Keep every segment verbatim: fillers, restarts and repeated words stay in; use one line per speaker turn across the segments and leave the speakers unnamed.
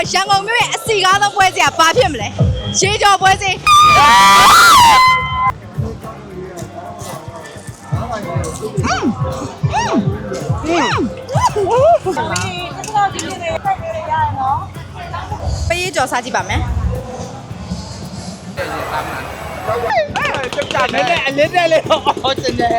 ရန်ကုန်မြို့ရဲ့အစီကားသောပွဲစီကဘာဖြစ်မလဲရေကြော်ပွဲစီပေးကြော်စားကြည့်ပါမယ်
ကျကျနဲ့အလေးတဲ့လေးတော့ကျနေ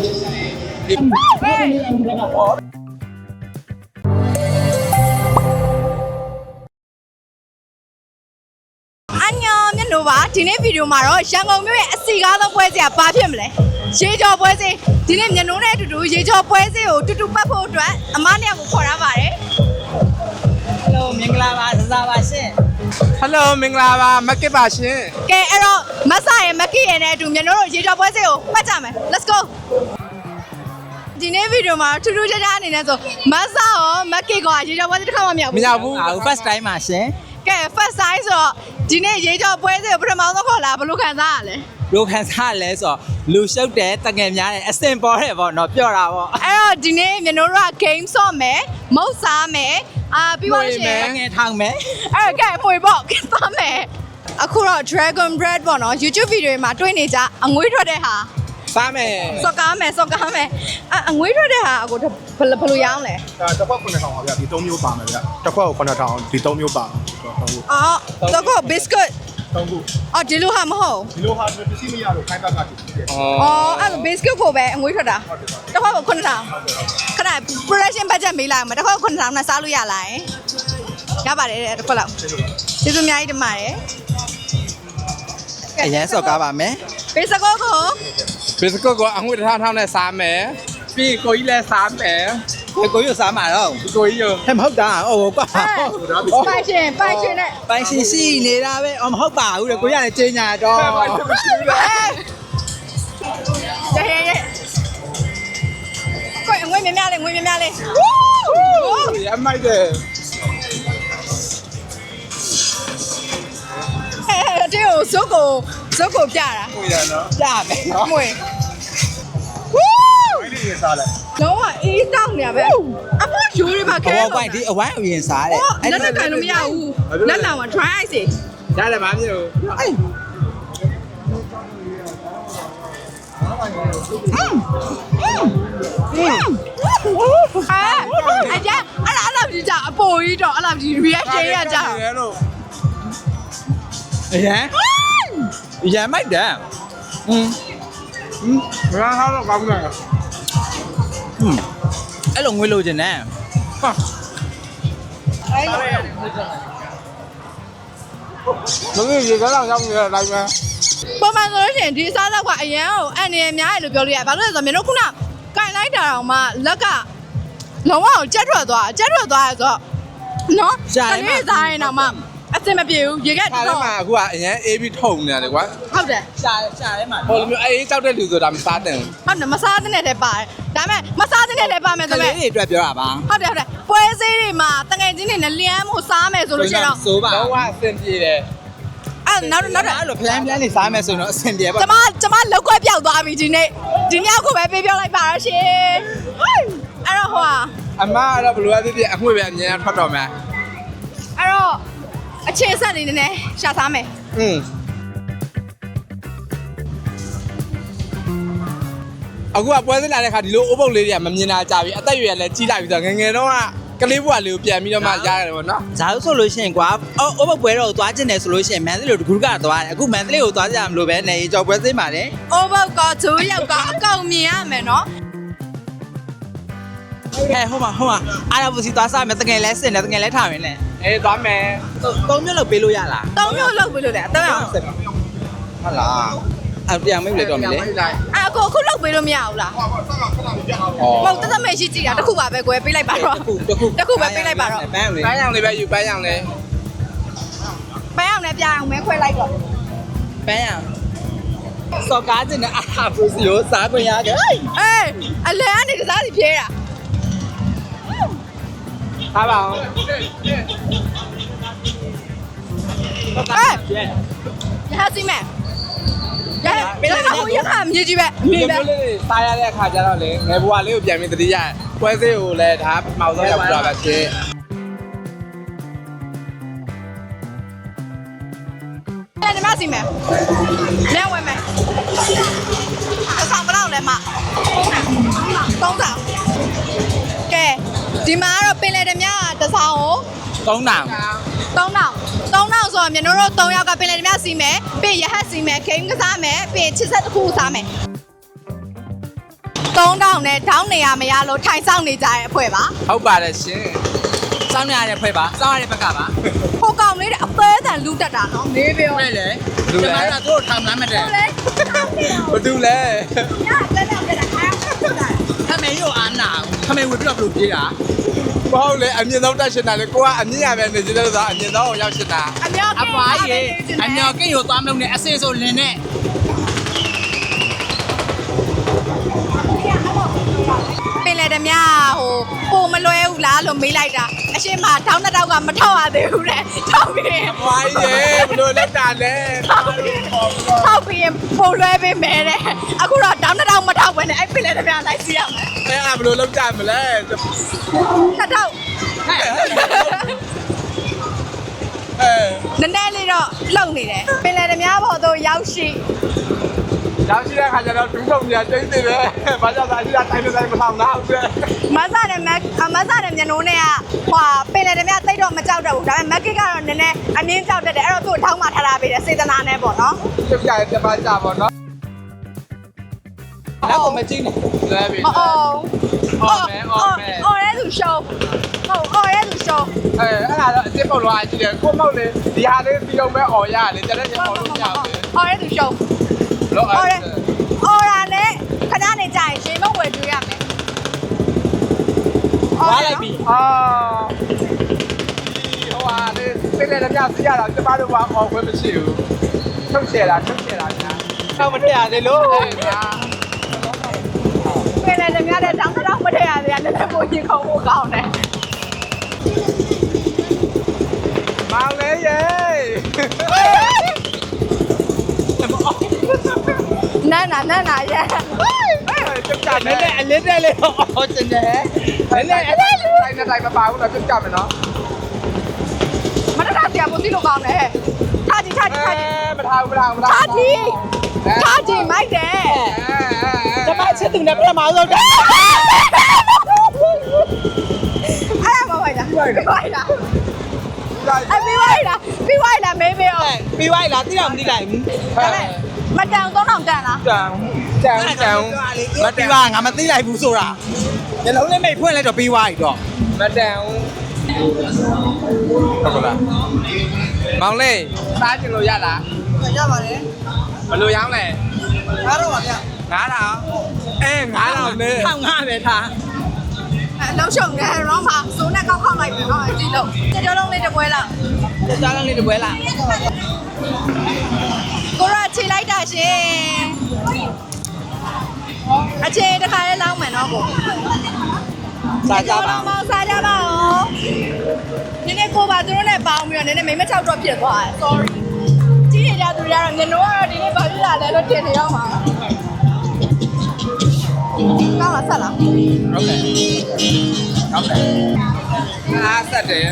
ပါဒီနေ့ဗီဒီယိုမှာတော့ရန်ကုန်မြို့ရဲ့အစီကားသောပွဲစီကဘာဖြစ်မလဲရေကြော်ပွဲစီဒီနေ့မျက်နှာနဲ့အတူတူရေကြော်ပွဲစီကိုတူတူပတ်ဖို့အတွက်အမနှစ်ယောက်ကိုခေါ်ရပါတယ်
ဟယ်လိုမင်္ဂလာပါစစားပါရှင်
ဟယ်လိုမင်္ဂလာပါမက်ကစ်ပါရှင်
ကဲအဲ့တော့မဆရဲ့မက်ကစ်ရဲ့နဲ့အတူမျက်နှာတို့ရေကြော်ပွဲစီကိုပတ်ကြမယ် let's go ဒီနေ့ဗီဒီယိုမှာထူးထူးခြားခြားအနေနဲ့ဆိုမဆရောမက်ကစ်ကရေကြော်ပွဲစီတစ်ခါမှမရောက်ဘူး
မရောက်ဘူး
အခု first time ပါရှင်
ကဲ first time ဆိုတော့ဒီနေ့ရေကြော်ပွဲစီကိုပထမဆုံးခေါ်လာဘယ်လိုခံစားရလဲ
ဘယ်လိုခံစားရလဲဆိုတော့လူရှုပ်တယ်တငယ်များတယ်အစင်ပေါ်တယ်ပေါ့နော်ပြော့တာပေါ့
အဲ့တော့ဒီနေ့မျက်နှာတို့က game ဆော့မယ်မုတ်စားမယ်အာပြီးပါရှင်
တငယ်ထောင်မယ်
အဲ့ကဲမွေပေါ့သွားမယ်အခုတော့ Dragon Bread ပေါ့နော် YouTube video မှာတွေ့နေကြအငွေးထွက်တဲ့ဟာ
စားမယ်
စော့ကားမယ်စော့ကားမယ်အငွေးထွက်တဲ့ဟာအခုဘယ်လိုရောင်းလဲ
ဒါတစ်ခွက်ခုနှစ်ထောင်ပါဗျာဒီသုံးမျိုးပါမယ်ဗျာတစ်ခွက်ကိုခုနှစ်ထောင်ဒီသုံးမျိုးပါ
အော်တော့ကို biscuit
သုံးခု
အော်ဒီလိုဟာမဟုတ်
ဒီလိုဟာပစ္စည်းမရလို့ခိုင်းဘက်ကတည်တယ်
အော်အဲ့ biscuit ကိုပဲအငွေးထွက်တာတစ်ခွက်ကိုခုနှစ်ထောင်ခဏ production budget မေးလိုက်မှာတစ်ခွက်ကိုခုနှစ်ထောင်နဲ့စားလို့ရလားရပါတယ်တစ်ခွက်လောက်ကျေးဇူးအများကြီးတင်ပါတယ်
အရင်စော့ကားပါမယ်
biscuit ကို
biscuit ကိုအငွေ့ထားထားနဲ့စားမယ်ပြီးကိုကြီးလည်းစားမယ်
ကိုကြီးစားမှာတော့
ကိုကြီးရော
ဟဲ့မဟုတ်တာဟိုကွာ
ပိုင်ရှင်ပိုင်ရှင်နဲ့
ပိုင်ရှင်ရှိနေတာပဲအော်မဟုတ်ပါဘူးလေကိုကြီးကလည်းကျင်းညာတော့
ရဲရဲကိုငွေမြများလေးငွေမြများလေး
ရမိုက်တယ်
ဟဲ့ဒီကိုဇုတ်ကိုဇုတ်ကိုပြတာ
ကိုရနော်
ပြမယ်နော်
ငွေ
ဝိုင်းလေးရစားလိုက်
လုံးဝအေးတောင်းနေရပဲအမယူရမှာခဲ
တော့ပိုင်ဒီအဝိုင်းအရင်စားတယ်
အဲ့လက်ခံလို့မရဘူးလက်လောင်က try ice
ရတယ်မမျိုး
အေးအာအကြအဲ့ဒါအဲ့လိုကြီးကြအပေါ်ကြီးတော့အဲ့လိုကြီး reaction ရကြ
အရင်အရင်မိုက်တယ်อืม
မရထားတော့ကောင်းတယ်
อืมအဲ့လိုငွေလိုချင်တယ်ဟာ
အဲ့
မင်းရေကတော့ရောက်နေတဲ့အတိုင်းပဲ
ပုံမှန်ဆိုလို့ရှိရင်ဒီစားသောက်ကအရန်ကိုအန်နေများတယ်လို့ပြောလို့ရတယ်ဘာလို့လဲဆိုတော့မင်းတို့ခုနကင်လိုက်တာတော့မှလက်ကလုံးဝကိုကြက်ထွက်သွားကြက်ထွက်သွားရဆိုတော့နော်ကလေးစားရင်တော့မှအစင်မပြေဘူးရေကက်
တော့မှအခုကအရန်အေးပြီးထုံနေတယ်ကွာ
ဟုတ်တယ်
ရှာရှာထဲမှာ
ဟိုလိုမျိုးအေးကြောက်တဲ့လူဆိုတာမစားတဲ့
ဟုတ်တယ်မစားတဲ့နဲ့တည်းပါတယ်ဒါပေမဲ့မစားတဲ့နဲ့လည်းပါမယ်ဆိုတော့
ကလေးတွေအတွက်ပြောတာပါ
ဟုတ်တယ်ဟုတ်တယ်ပွဲစည်းတွေမှာတငယ်ချင်းတွေနဲ့လျမ်းမှုစားမယ်ဆိုလို့ရှိရင်တော့
စိုးပါ
တော့အဆင်ပြေတယ်
အဲ့နောက်နောက်
အဲ့လိုဖလန်ဖလန်လေးစားမယ်ဆိုတော့အဆင်ပြေပါ
ကျမကျမလောက်ခွဲပြောက်သွားပြီဒီနေ့ဒီညကိုပဲပေးပြောလိုက်ပါတော့ရှင်အဲ့တော့ဟို
အမကတော့ဘယ်လိုအဖြစ်ဖြစ်အငွေ့ပဲအမြင်ထွက်တော့မယ်
အဲ့တော့အခြေဆက်နေနေရှာစားမယ်
อืมအခုကပွဲစဉ်လာတဲ့ခါဒီလိုအိုးပုတ်လေးတွေကမမြင်တာကြပြီအသက်ရွယ်လည်းကြီးလိုက်ပြီဆိုတော့ငငယ်တော့ကလေးဘွားလေးကိုပြန်ပြီးတော့မှရတယ်ပေါ့နော်
ဇာတ်ဆိုလို့ရှိရင်ကွာအိုးပုတ်ပွဲတော့သွားကျင်တယ်ဆိုလို့ရှိရင်မန်သလေးကိုတကူကသွားတယ်အခုမန်သလေးကိုသွားကြမလို့ပဲနေကြော်ပွဲစဉ်ပါတယ်
အိုးပုတ်ကဇိုးရောက်ကအကောင်မြင်ရမယ်နော်
ဟဲ့ဟိုမှာဟိုမှာအားရပူစီသွားစားမယ်တကယ်လဲစင်တယ်တကယ်လဲထားမယ်လေ
အေးသွားမယ်
သုံးမျိုးလောက်ပေးလို့ရလား
သုံးမျိုးလောက်ပေးလို့လေအတော့အောင်
ဟုတ်လားအပြန်မိတ်လေတော့မလဲ
အာကိုအခုလောက်ပေးလို့မရဘူးလားမဟုတ်တသက်မရှိကြည့်တာတခုပါပဲကွယ်ပေးလိုက်ပါတော့
တခု
တခုပဲပေးလိုက်ပါတော့
ပန်းလေးပန်းရောင်လေးပဲယူပန်းရောင်လေး
ပန်းရောင်နဲ့ပြအောင်မဲခွဲလိုက်တော့
ပန်းရောင်စော်ကားတင်တဲ့အာပူစီကိုစားခွင့်ရတယ်
အေးအလဲကနေတစားစီဖြဲတာ
ထားပါအောင်
အေးရဟစီမဲရဟဘယ်လိုရဟမြေကြီးပဲ
မြေပဲစားရတဲ့အခါကျတော့လေငယ်ဘွားလေးကိုပြန်ပြီးတတိယပွဲစည်းကိုလည်းဒါမှောက်ဆုံးရောက်ကြပါပဲရှင်
ဓမာစီမယ်လဲဝဲမယ်အဆောင်ဘယ်လောက်လဲမသုံးဆောင်ကဲဒီမှာကတော့ပင်လယ်ဓမာတစ်ဆောင်ကို
သုံးတောင်
သုံးတောင်သုံးတောင်ဆိုတော့ကျွန်တော်တို့သုံးယောက်ကပင်လယ်ဓမာစီမယ်ပြီးရဟတ်စီမယ်ခိန်းကစားမယ်ပြီးချစ်ဆက်တစ်ခုစားမယ်သုံးတောင်နဲ့ထောင်းနေရမရလို့ထိုင်ဆောင်နေကြတဲ့အဖွဲ့ပါ
ဟုတ်ပါတယ်ရှင်
စောင်းရတဲ့ဖွဲ့ပါစောင်းရတဲ့ဘက်ကပါ
ဟိုကောင်လေးတဲ့အသေးအတန်လူတက်တာနော်နေပြော
မဲ့လေဒီမှာတော့တို့ထောင်လာမှတဲ့
ဟုတ်လေ
ဘာတူလဲ
ညတက်တက်တက်အားတက်တာ
ခမေရောအာနာခမေဝေပြီးတော့ဘလို့ပြေးတာ
မဟုတ်လေအမြင့်ဆုံးတက်ရှင်တာလေကိုကအမြင့်ရပဲနေကြတယ်ဆိုအမြင့်ဆုံးကိုရောက်ရှင်တာ
အမြောက်
အပွားကြီးအမြော်ကိတ်ကိုသွားမလို့နဲ့အစေဆိုလင်းနဲ့
ပင်လေဓမြဟိုပုံမလွဲဘူးလားလို့မေးလိုက်တာအရှင်မထောင်းတစ်တောက်ကမထောက်ရသေးဘူးတဲ့ထောက်ပြီး
အပွားကြီးရေဘလို့လက်တာလဲ
ထောက်ပြီးပုံလွဲပေးမယ်တဲ့အခုတော့တောင်းတစ်တောက်မထောက်ဘဲနဲ့အဲ့ပင်လေဓမြလိုက်စီရမယ်
အဲ့အဘလို့လောက်ကြမလဲ
တစ်တောက်
အဲ
နည်းနည်းလေးတော့လုံနေတယ်ပင်လေဓမြဘော်တို့ရောက်ရှိ
ရောက်ရှိတဲ့ခါကျတော့ဒူးထုံကြီးတိတ်နေတယ်ဘာကြောင့်လဲအရှိတာတိုင်းတိုင်းမဆောင်တော့ဘူး
မဆာနဲ့မက်မဆာနဲ့မျက်နှိုးနဲ့ကဟွာပင်လေဓမြတိတ်တော့မကြောက်တော့ဘူးဒါပေမဲ့မက်ကစ်ကတော့နည်းနည်းအမြင့်ကြောက်တတ်တယ်အဲ့တော့သူ့ထောင်းမှထားထားပေးတယ်စေတနာနဲ့ပေါ့နော်
ပြပြရပြပါကြပါတော့
နောက်ကိုမကြည့်နဲ့
လဲပြီ
အော်အော်
အော်မဲအော်မဲ
အော်ရဲသူရှုံးဟုတ်အော်ရဲသူရှုံး
အဲအဲ့ဒါတော့အစ်စ်ပုတ်လို့အကြည့်တယ်ကိုမောက်လေဒီဟာလေးပြီးတော့ပဲអော်ရလေတကယ်ကြီးអော်လို့မရဘူး
အော်ရဲသူရှုံး
လို့
အော်
အဲ
ရဲအော်ရာနဲ့ခဏနေကြရင်ရှင်မဝယ်ကျွေးရမယ်
ဝါလိုက်ပြီ
အာဟိုဟာလေစိတ်လည်းလည်းပြစီရတာကျမတို့ကអော်ခွင့်မရှိဘူးထုတ်ချေတာထုတ်ချေတာညာတော့မထည့်ရသေးလို့အဲညာ
ပင်လည်းဓမြတဲ့တောင်းတော့မထည့်ရသေးတယ်လည်းပိုရင်ခုံဖို့ကောင်းတယ်
မောင်လေးရေ
နာနာနာနာရဲ
ကျုပ်ကြမယ်
နဲ့အလစ်တဲ့လေးဟောကျင်တယ်
အဲ့လေအဲ့တိုင်းတိုင်းမပါဘူးတော့ကျုပ်ကြမယ်နော်
မတတ်တရားပိုသိလို့ကောင်းတယ်ထားကြည့်ထားကြည့်ထားကြည့်
မထားဘူးမထားဘူးမ
ထားကြည့်ထားကြည့်မိုက်တယ်
ကျမချက်သူနဲ့ပြမအောင်တော့
အဲ့ဒါမဟုတ်လားပြီးလိုက်လားအပြီးလိုက်လားပြီးလိုက်လားမေးမေးအောင်
ပြီးသွားလားတိတော့မသိလိုက်ဘူး
ဒါပေမဲ့မတန်သုံးတောင်တန်လား
တန်တန်တန်
မပြီးပါငါမသိလိုက်ဘူးဆိုတာညလုံးလေးမိတ်ဖွင့်လိုက်တော့ပြီးသွားပြီတော့
မတန်ဟုတ်ကလားမောင်လေးစားချင်လို့ရလား
ရပါတယ်
ဘယ်လိုရောင်းလဲ
အားတော့ပါဗျ
ငါးထောင်အဲငါးထောင်နဲ့
ထောင်ငါပဲထား
အလုံးရှုံတယ်ရောမှာစိုးနဲ့ကောက်ခောက်လိုက်ပြီနော်အကြည့်လို့ကြကြောလုံးလေးတစ်ပွဲလောက်
ကြားလုံးလေးတပွဲလား
ကိုရခြေလိုက်တာရှင်အခြေတစ်ခါလေးလောင်းမယ်နော်ကို
စားကြပါ
မောင်စားကြပါဦးနည်းနည်းကိုပါသူတို့နဲ့ပေါင်းပြီးတော့နည်းနည်းမိမချောက်တော့ဖြစ်သွားတယ် sorry ကြီးနေကြသူတွေကတော့မျက်နှာကတော့ဒီနေ့ဘာဖြစ်လာလဲလို့ထင်နေတော့မှာကောင်းလားဆက်လား
ဟုတ်ကဲ့ဟုတ်ကဲ့အားဆက်တယ်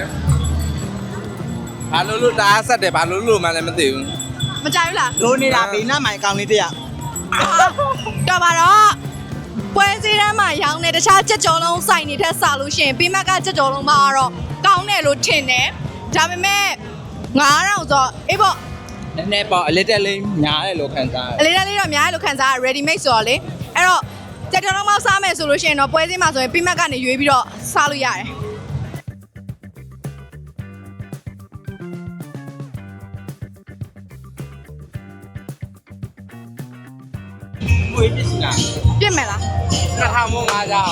ဘာလို့လို့တအားဆက်တယ်ဘာလို့လို့မှလည်းမသိဘူး
မကြိုက်ဘူးလား
လိုနေတာဘေးနားမှာအကောင်လေးတယောက်
တော့ပါတော့ပွဲစည်းတန်းမှာရောင်းတဲ့တခြားကြက်ကြော်လုံးစိုက်နေထက်စလို့ရှိရင်ပြီးမှကကြက်ကြော်လုံးမှာတော့ကောင်းတယ်လို့ထင်တယ်ဒါပေမဲ့ငါးထောင်ဆိုအေးပေါ့
နည်းနည်းပေါ့အလစ်တက်လေးညားတယ်လို့ခံစား
အလေးတန်းလေးတော့အများကြီးလို့ခံစားရ ready made ဆိုတော့လေအဲ့တော့ကြက်ကြော်လုံးမှာစားမယ်ဆိုလို့ရှိရင်တော့ပွဲစည်းမှာဆိုရင်ပြီးမှကနေရွေးပြီးတော့စားလို့ရတယ်
ငွေပြစ်စီလား
ပြစ်မယ်လား
နှစ်ထောင်မို့ငါးကြောင်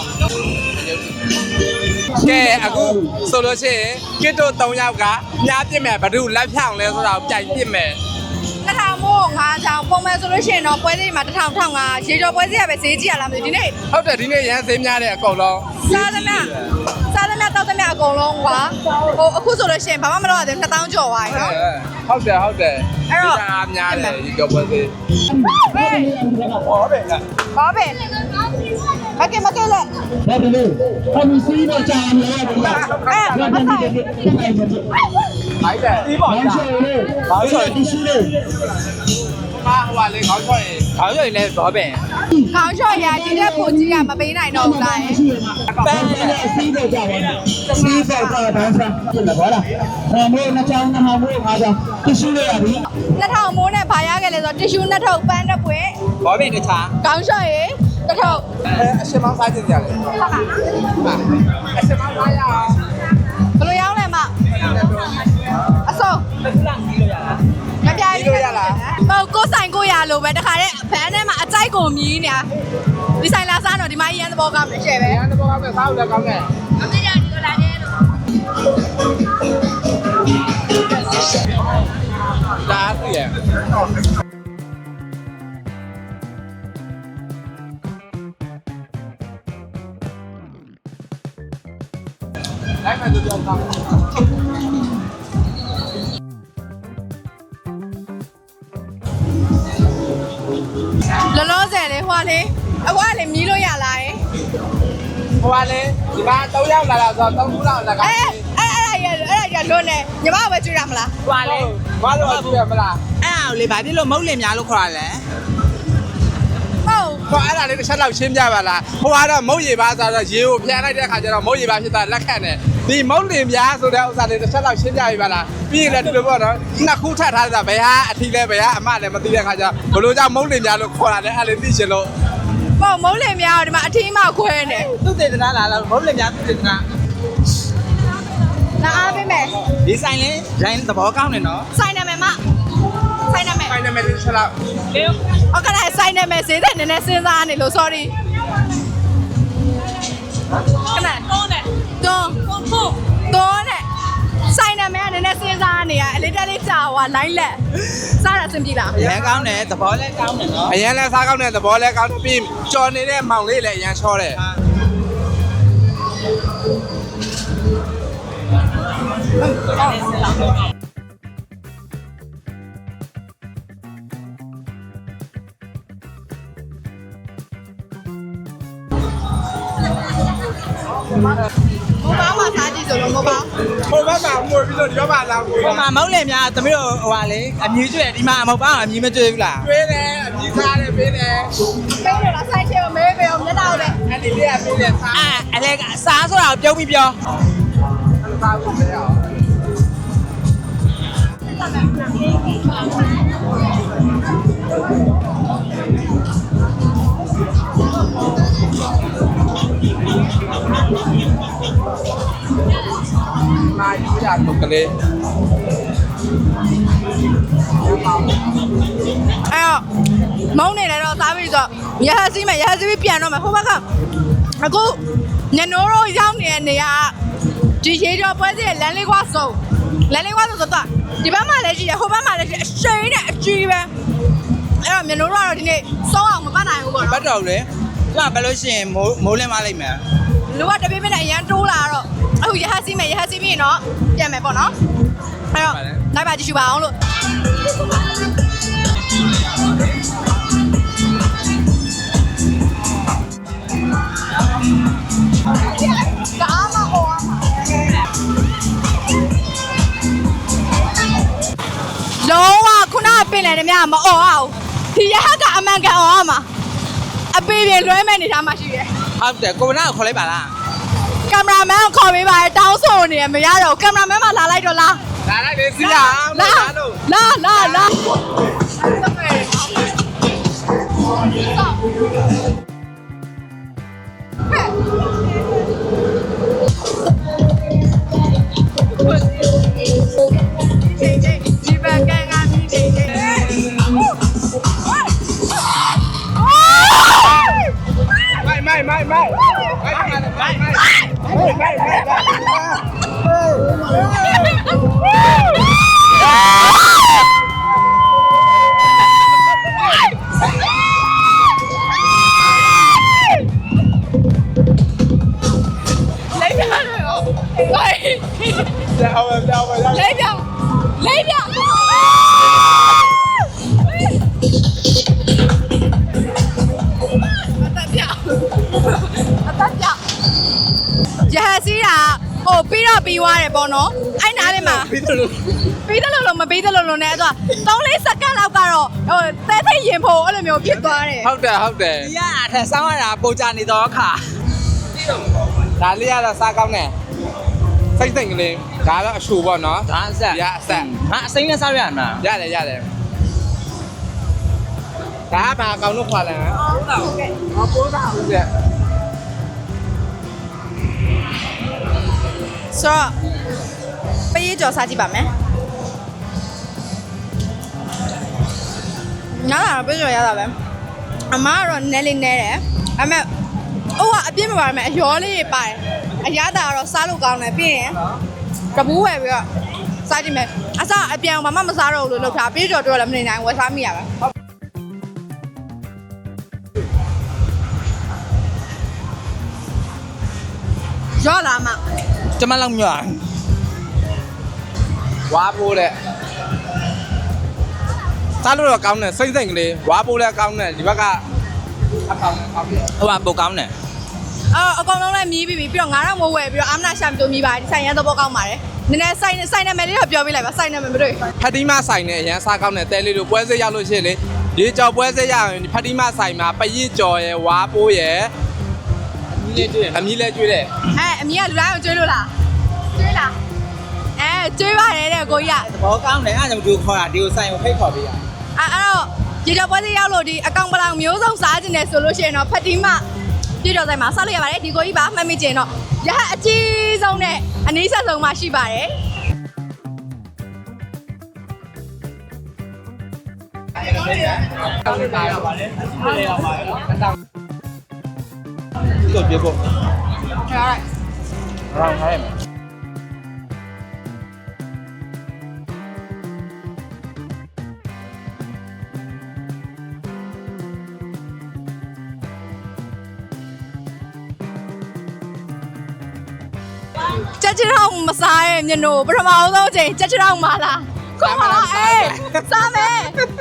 ကဲအခုဆိုလို့ရှိရင်ကစ်တို့၃ယောက်ကညားပြစ်မယ်ဘ누구လက်ဖြောင်းလဲဆိုတော့ပြိုင်ပြစ်မယ်
တစ်ထောင်မို့ငါးချောင်းပုံမှန်ဆိုလို့ရှိရင်တော့ပွဲစည်းမှာတစ်ထောင်ထောင်ငါရေကြော်ပွဲစည်းရပဲဈေးကြီးရလားမသိဘူးဒီနေ့
ဟုတ်တယ်ဒီနေ့ရန်စင်းများတယ်အကုန်လုံး
စားသမျှစားသမျှတောက်သမျှအကုန်လုံးကွာဟိုအခုဆိုလို့ရှိရင်ဘာမှမလုပ်ရသေးဘူးနှစ်သောင်းကျော်သွားပြီနော်
ဟုတ်တယ်ဟုတ်တယ်
အဲ့တော့
ဒါများတယ်ဒီကြောပွဲသေး
ဟေး
ဟောပဲက
ဘာပဲမကဲမကဲလေ
ဒါကလေးအမစီးတော့ကြာနေရတယ်ဗျာ
အဲ့မဆိုင်
ဒါက
မိုက်တယ်ဒီပေါ့ကြာဘာလို့ဆိုရင်မာဟိုကလေခေါင်းချော်ရင်
ခေါင်းရွှေလည်းဘောပင်
ခေါင်းလျှော့ရဒီတဲ့ပုံကြီးကမပေးနိုင်တော့ဘူးလား
ပန်း
စီးတော့ကြပါဘူးစီးတော့ကြတန်းစားဖြစ်လာပါလားအဲမျိုးနှစ်ချောင်းနှစ်ဟောင်းမျိုးအားကြောင့်တရှိရရပြီ
နှစ်ထောင်မိုးနဲ့ဘာရခဲ့လဲဆိုတော့တ िश ူးနှစ်ထုပ်ပန်းတစ်ပွင့်
ဘောပင်တခြား
ခေါင်းလျှော့ရတစ်ထုပ်
အဲအရှင်မောင်းစားကြည့်ကြတယ်
ဟုတ်ပါလား
အရှင်မောင်းစားရအောင်
ဘယ်လိုရောင်းလဲမအစုံ
ခုနကကြီးလို့ရလား
မပြိုင်လို့ရလားဟုတ်ကိုဆိုင်ကိုရလို့ပဲတခါတည်းဘန်းထဲမှာအကြိုက်ကိုမြည်နေတာဒီဆိုင်လာစားတော့ဒီမကြီးရန်သဘောကောင်းတယ်ရှယ်ပဲ
ရန်တော့ကောင်းတယ်စားလို့လည်းကောင်းတယ်
မသိကြဒီလိုလာနေလို့
ဒါသိရလိုက်မယ်သူပြောတာ
လောလောဆယ်လေးဟွာလေးအကွာလေးမြည်လို့ရလားယ
ဟိုကလေဒီမှာ၃ယောက်လာတာဆိုတော့၃ခုလောက်လာက
အဲအဲအဲ့ဒါရအဲ့ဒါရလွန်းနေညီမပဲကြွရမလား
ဟွာလေ
ဘာလို့အပြည့်မလား
အဲ့အောင်လေဘာဖြစ်လို့မုတ်လင်များလို့ခေါ်ရလဲ
ဟုတ်
ဟိုအဲ့ဒါလေးတစ်ချက်လောက်ရှင်းပြပါလားဟိုကတော့မုတ်ရည်ပါဆိုတော့ရေကိုဖျန်လိုက်တဲ့အခါကျတော့မုတ်ရည်ပါဖြစ်တာလက်ခံတယ်ဒီမုတ်လင်ပြားဆိုတဲ့ဥစ္စာလေးတစ်ချက်လောက်ရှင်းပြပြပါလားပြီးရင်လည်းဒီလိုပေါ့နော်နှစ်ခုထပ်ထားတာဘယ်ဟာအထီးလဲဘယ်ဟာအမလည်းမသိတဲ့အခါကျတော့ဘလို့ကြောင့်မုတ်လင်ပြားလို့ခေါ်တာလဲအဲ့လေးသိချင်လို့
ပေါ့မုံးလင်များဒီမှာအထီးမှခွဲနေ
သူတေသနာလာလားမုတ်လင်များသူတေသနာ
လာအားပေးမယ်
ဒီဆိုင်လေရိုင်းသဘောကောင်းတယ်နော်
ဆိုင်နာမည်မဆိုင်နာမည်
ဖိုင်နမယ်တစ်ချက်လောက်
โอเคဆိုင်နာမည်ဈေးတဲ့နည်းနည်းစဉ်းစားနေလို့ sorry ခဏတွန်းတယ်တွန်းဟုတ်တွန်းတယ်ဆိုင်နာမည်ကနည်းနည်းစဉ်းစားနေရအလေးတက်လေးကြာဟွာ line လက်စားတာအဆင်ပြေလား
ရန်ကောင်းတယ်သဘောလည်းကောင်းတယ်နော်
အရင်လဲစားကောင်းတဲ့သဘောလဲကောင်းပြီးကြော်နေတဲ့မောင်လေးလည်းအရင်ချောတယ်
မိုးပေါင်းမှာစားကြည့်ဆိုလို့မိုးပေါင်း
ဟိုဘက်မှာမွေပြီးတော့ဒီဘက်မှာလာကို
ဟိုမှာမုတ်လင်များသမီးတို့ဟိုပါလေအမြူးကျွဲဒီမှာမဟုတ်ပါဘူးအမြူးမကျွဲဘူးလား
ကျွေးတယ်အပြီးစားတယ်ပေးတယ်
ပေးလို့လားဆိုင်ချေကိုမဲပေးအောင်မျက်နှာကိုလည်း
အဲ့ဒီလေးကပေးတယ်စား
အဲ့အလေအစားဆိုတာကိုပြုံးပြီးပြော
စားဖို့လည်းအောင် มาอยู่จากตกกันเลย
အဲ့တော့မုံနေတယ်တော့စားပြီးဆိုတော့ရဟစီးမယ်ရဟစီးပြီးပြန်တော့မယ်ဟိုဘက်ကအခုညနိုးတို့ရောက်နေတဲ့နေရာဒီရေကျော်ပွဲစီရဲ့လမ်းလေးကွာစုံလမ်းလေးကွာစုံဆိုတော့ဒီဘက်မှာလည်းရှိတယ်ဟိုဘက်မှာလည်းရှိအရှိန်နဲ့အကြီးပဲအဲ့တော့ညနိုးတို့ကတော့ဒီနေ့စောအောင်မပတ်နိုင်ဘူးပေါ့
ဘ
နော်
တ်တော်လေသူကဘယ်လို့ရှိရင်မိုးမိုးလင်းမလိုက်မယ်
လူကတပိပိနဲ့အရန်တိုးလာတော့အခုရဟစီးမယ်ရဟစီးပြီးရင်တော့ပြန်မယ်ပေါ့နော်အဲ့တော့လိုက်ပါကြည့်ရှုပါအောင်လို့ဒါမှဟောလုံးဝခုနကပင်လယ်တည်းများမအော်အောင်ဒီရဟကအမှန်ကန်အော်အောင်မှာအပေပြေလွှဲမဲ့နေသားမှရှိတယ်
ဟုတ်တယ်ကိုဗနာကိုခေါ်လိုက်ပါလား
ကင်မရာမန်ကိုခေါ်ပေးပါတောင်းဆိုနေရမရတော့ကင်မရာမန်မလာလိုက်တော့လား
လာလိုက်လေစီးရအောင်
လာ
လာလို့
လာလာလာဒီဘက်ကန်ကမြည်နေတယ်
ไม่ไม่ไม่ไม่ไม่ไม่ไม่ไม่
ပြီးွားတယ်ပေါ့နော်အဲ့နားလေးမှာပြီးတယ်လို့ပြီးတယ်လို့မပြီးတယ်လို့လို့နဲ့အဲ့တော့သုံးလေးစက္ကန့်လောက်ကတော့ဟိုတဲသိရင်ဖို့အဲ့လိုမျိုးဖြစ်သွားတယ်
ဟုတ်တယ်ဟုတ်တယ်
ဒီကအထက်ဆောင်းရတာပုံကြနေတော့အခါ
ဒါလေးကတော့စားကောင်းတယ်စိတ်စိတ်ကလေးဒါတော့အရှူပေါ့နော်
ဒါအဆက်
ရအဆက်
ဟာအစိမ်းနဲ့စားရရမှာ
ရတယ်ရတယ်ဒါကဘာကောင်းလို့ခွာလဲဟုတ်တာဟုတ်ကဲ့ဟောပိုးတာဟုတ်ကဲ့
ဆိုတော့ပေးကြော်စားကြည့်ပါမယ်ညားတာပေးကြော်ရတာပဲအမကတော့နည်းလေးနည်းတယ်အမေဟိုကအပြည့်မပါမယ်အရောလေးတွေပါတယ်အရသာကတော့စားလို့ကောင်းတယ်ပြီးရင်တပူးဝယ်ပြီးတော့စားကြည့်မယ်အစအပြန်ဘာမှမစားတော့ဘူးလို့လုပ်ထားပေးကြော်တော့လည်းမနေနိုင်ဝယ်စားမိရပါရောလာမ
ကျမလောက်မြော့
ဝါပိုးတဲ့စားလို့တော့ကောင်းတယ်စိတ်စိတ်ကလေးဝါပိုးလည်းကောင်းတယ်ဒီဘက်ကအကောင်းကောင်းပြီ
ဟိုကပုံကောင်းတယ်
အော်အကောင်လုံးလည်းမြည်ပြီးပြီပြီးတော့ငါတော့မဝယ်ပြီးတော့အာမနာရှာမတူမြည်ပါတယ်ဒီဆိုင်ရသဘောကောင်းပါတယ်နည်းနည်းဆိုင်ဆိုင်နာမည်လေးတော့ပြောပြလိုက်ပါဆိုင်နာမည်မတွေ့
ဖတ်တီမဆိုင်နဲ့အရန်စားကောင်းတယ်တဲလေးတို့ပွဲစက်ရောက်လို့ရှိရင်လေရေကြော်ပွဲစက်ရရင်ဖတ်တီမဆိုင်မှာပရစ်ကြော်ရယ်ဝါပိုးရယ်အမီးလေးကျွေးတယ်
အဲအမီးကလူတိုင်းကိုကျွေးလို့လားကျွေးလားအဲကျွေးပါတယ်တဲ့ကိုကြီးက
သဘောကောင်းတယ်အဲ့ဒါကြောင့်ဒီကိုခေါ်တာဒီကိုဆိုင်ကိုဖိတ်ခေါ်ပေးရ
အဲအဲ့တော့ရေကြော်ပွဲလေးရောက်လို့ဒီအကောင်ပလောင်မျိုးစုံစားခြင်းနဲ့ဆိုလို့ရှိရင်တော့ဖတ်တီမပြေတော်ဆိုင်မှာစားလို့ရပါတယ်ဒီကိုကြီးပါမှတ်မိကျင်တော့ရဟအကြီးဆုံးနဲ့အနည်းဆက်ဆုံးမှရှိပါတယ်
ဒီလိုပြေဖို့
ဟုတ်ကဲ့
ရောင်းခိုင်းမယ်
ကြက်ချောင်းမစားရဲ့မျက်နှာပထမအောင်ဆုံးချိန်ကြက်ချောင်းမလားခုမလားအေးစားမယ်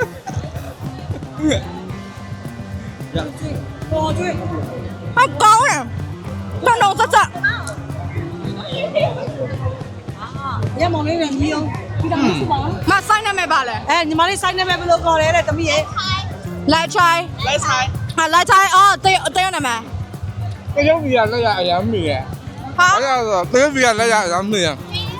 ပေါ်ကျွေးအကောင်းတယ်တော့တော့စစ
ညမောင်လေးနဲ့ညီအောင်ဒီတော့မရှိပါဘူး
မဆိုင်နာမယ်ပါလဲ
အဲညီမလေးဆိုင်နေမယ်ဘယ်လိုခေါ်လဲတဲ့တမီးရဲ့
လိုက်ချိုင်း
လိုက်ဆိုင်
ဟာလိုက်ချိုင်းအော်တေးတေးနာမယ်
တရုတ်ပြည်ကလက်ရအရမ်းမီရ
ဟာ
ဘာကြောင့်ဆိုတရုတ်ပြည်ကလက်ရအရမ်းမီရ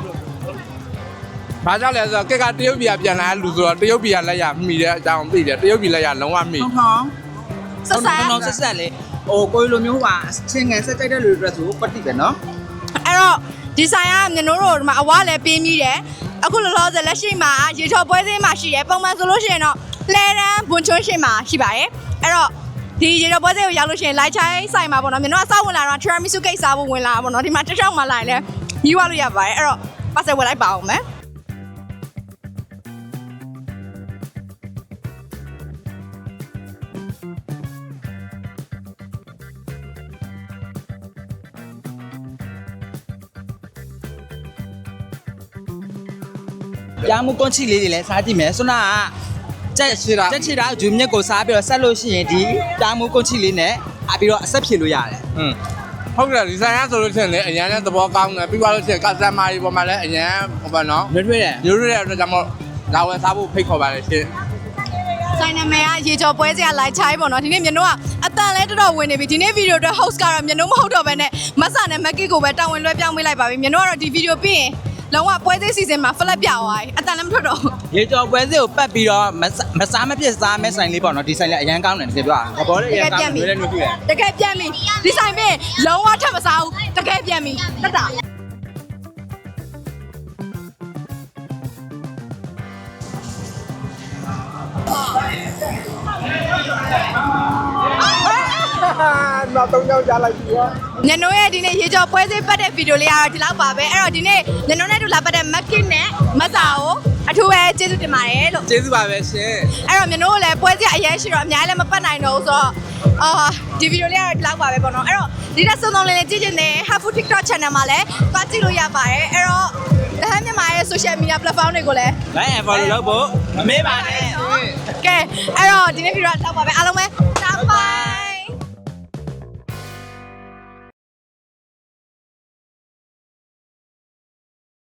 ဘာကြောင့်လဲဆိုတော့ကက်ကတရုတ်ပြည်ကပြန်လာလူဆိုတော့တရုတ်ပြည်ကလက်ရမီတဲ့အကြောင်းသိတယ်တရုတ်ပြည်လက်ရလုံးဝမီ
ဟော
စဆန်
တော့ဆက်ဆက်လေဟိုကိုလိုမျိုးဟာချင်းငယ်ဆက်ကြိုက်တဲ့လူတွေဆိုပတ်တိပဲနော်
အဲ့တော့ဒီဆိုင်ကမျက်နှာတို့ဒီမှာအဝလည်းပြင်းပြီးတယ်အခုလောလောဆယ်လက်ရှိမှာရေချော်ပွဲစင်းမှာရှိတယ်ပုံမှန်ဆိုလို့ရှိရင်တော့လှဲတန်းဘွန်ချွန်းရှိမှာရှိပါတယ်အဲ့တော့ဒီရေချော်ပွဲစင်းကိုရောက်လို့ရှိရင်လိုက်ချိုင်းဆိုင်မှာပေါ့နော်မျက်နှာအဆောက်ဝင်လာတော့ tiramisu cake စားဖို့ဝင်လာပေါ့နော်ဒီမှာတစ်ချောင်းမှလာရင်လည်းညီးွားလို့ရပါတယ်အဲ့တော့ပတ်ဆက်ဝယ်လိုက်ပါအောင်မယ်
ရမှုကွန်ချီလေးတွေလည်းစားကြည့်မယ်ဆွနာကကြက်ချီတာကြက်ချီတာဂျူမြက်ကိုစားပြီးတော့ဆက်လို့ရှိရင်ဒီတာမှုကွန်ချီလေးနဲ့အပြီးတော့အဆက်ဖြေလို့ရတယ်
อืมဟုတ်တယ်ဒီဆိုင်ကဆိုလို့ရှိရင်လေအရန်နဲ့သဘောကောင်းတယ်ပြီးသွားလို့ရှိရင်ကစတမာတွေပေါ်မှာလည်းအရန်ဟိုပါနော်
လွတ်လွတ်တယ်
ရိုးရိုးတဲ့အတွက်ကြောင့်မို့လာဝယ်စားဖို့ဖိတ်ခေါ်ပါလေရှင်
ဆိုင်နာမည်ကရေချော်ပွဲစင်းကလိုက်ချိုင်းပေါ့နော်ဒီနေ့မျက်နှာကအတန်လဲတော်တော်ဝင်နေပြီဒီနေ့ဗီဒီယိုအတွက် host ကတော့မျက်နှာမဟုတ်တော့ဘဲနဲ့မဆာနဲ့မက်ကစ်ကိုပဲတာဝန်လွှဲပြောင်းပေးလိုက်ပါပြီမျက်နှာကတော့ဒီဗီဒီယိုပြီးရင်လုံးဝပွဲသေးစီစဉ်မှာ flat ပြသွားပြီအတန်လည်းမထွက်တော့ဘူး
ရေကြော်ပွဲစစ်ကိုပတ်ပြီးတော့မစားမဖြစ်စားမဲ့ဆိုင်လေးပေါ့နော်ဒီဆိုင်လေးအရန်ကောင်းတယ်တကယ်ပြောတာဘောလေးအရန်ကောင်းတယ်လည်းတွေ့တယ်
တကယ်ပြန်ပြီဒီဆိုင်ပြင်လုံးဝထပ်မစားဘူးတကယ်ပြန်ပြီတက်တာ
နောက်တော့ကြောက်ကြလိုက်ပြီရော
ညနိုးရဲ့ဒီနေ့ရေကြော်ပွဲသေးပတ်တဲ့ဗီဒီယိုလေးကတော့ဒီလောက်ပါပဲအဲ့တော့ဒီနေ့ညနိုးနဲ့တူလာပတ်တဲ့မက်ကစ်နဲ့မဆာကိုအထူးပဲကျေးဇူးတင်ပါတယ်လို့
ကျေးဇူးပါပဲရှင်
အဲ့တော့ညနိုးကိုလည်းပွဲသေးအရင်ရှိတော့အများကြီးလည်းမပတ်နိုင်တော့ဘူးဆိုတော့အာဒီဗီဒီယိုလေးကတော့ဒီလောက်ပါပဲပေါ့နော်အဲ့တော့ဒီတက်စုံစုံလေးလေးကြည့်ချင်တယ် Hafu TikTok channel မှာလည်းပတ်ကြည့်လို့ရပါတယ်အဲ့တော့တဟန်းမြန်မာရဲ့ social media platform တွေကိုလည်း
လိုက် follow လုပ်ဖို့မမေ့ပါနဲ့
ကဲအဲ့တော့ဒီနေ့ဗီဒီယိုကတော့လောက်ပါပဲအားလုံးပဲ